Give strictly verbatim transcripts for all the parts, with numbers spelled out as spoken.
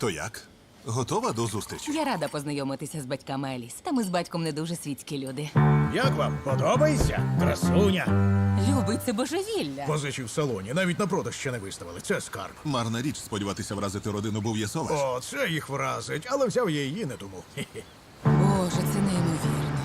То як? Готова до зустрічі? Я рада познайомитися з батьками Еліс. Та ми з батьком не дуже світські люди. Як вам? Подобається? Красуня. Любить це божевілля. Позичі в салоні, навіть на продаж ще не виставили. Це скарб. Марна річ сподіватися вразити родину Бов'єсоваш. О, це їх вразить, але взяв я її не тому. Хе-хе. Боже, це неймовірно.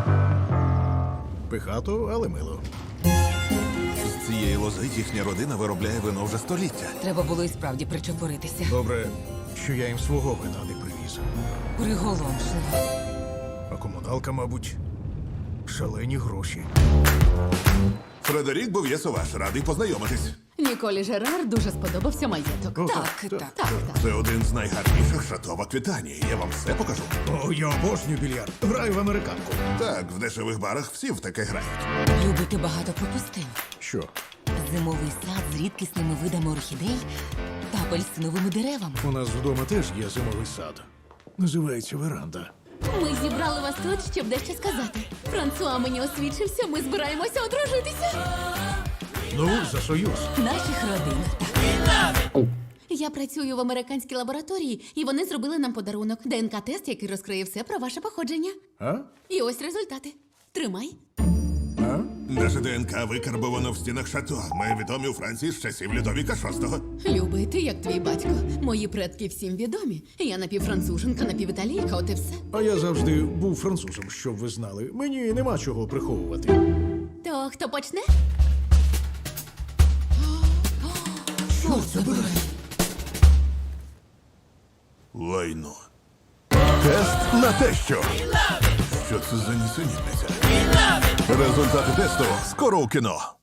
Пихато, але мило. З цієї лози їхня родина виробляє вино вже століття. Треба було і справді причепуритися. Добре, що я їм свого вина не привіз. Приголомшливо. А комуналка, мабуть, шалені гроші. Фредерік Бов'єсоваш, радий познайомитись. Ніколі Жерар дуже сподобався маєток. О, Так, так. Так, так. Це один з найгарніших шато в Аквітанії. Я вам все покажу. О, я обожнюю більярд. Граю в американку. Так, в дешевих барах всі в таке грають. Любити багато пропустив. Що? Зимовий сад з рідкісними видами орхідей та апельсиновими деревами. У нас вдома теж є зимовий сад. Називається веранда. Ми зібрали вас тут, щоб дещо сказати. Франсуа мені освідчився, ми збираємося одружитися. Ну, за союз. Наших родин. Я працюю в американській лабораторії, і вони зробили нам подарунок. ДНК-тест, який розкриє все про ваше походження. А? І ось результати. Тримай. А? Наше ДНК викарбовано в стінах шато. Ми відомі у Франції з часів Людовіка шостого. Любий, ти як твій батько. Мої предки всім відомі. Я напівфранцуженка, напівіталійка, от і все. А я завжди був французом, щоб ви знали. Мені нема чого приховувати. То хто почне? Що це було? Лайно. Тест на те, що. Що це за нісенітниця? Результати тесту скоро у кіно.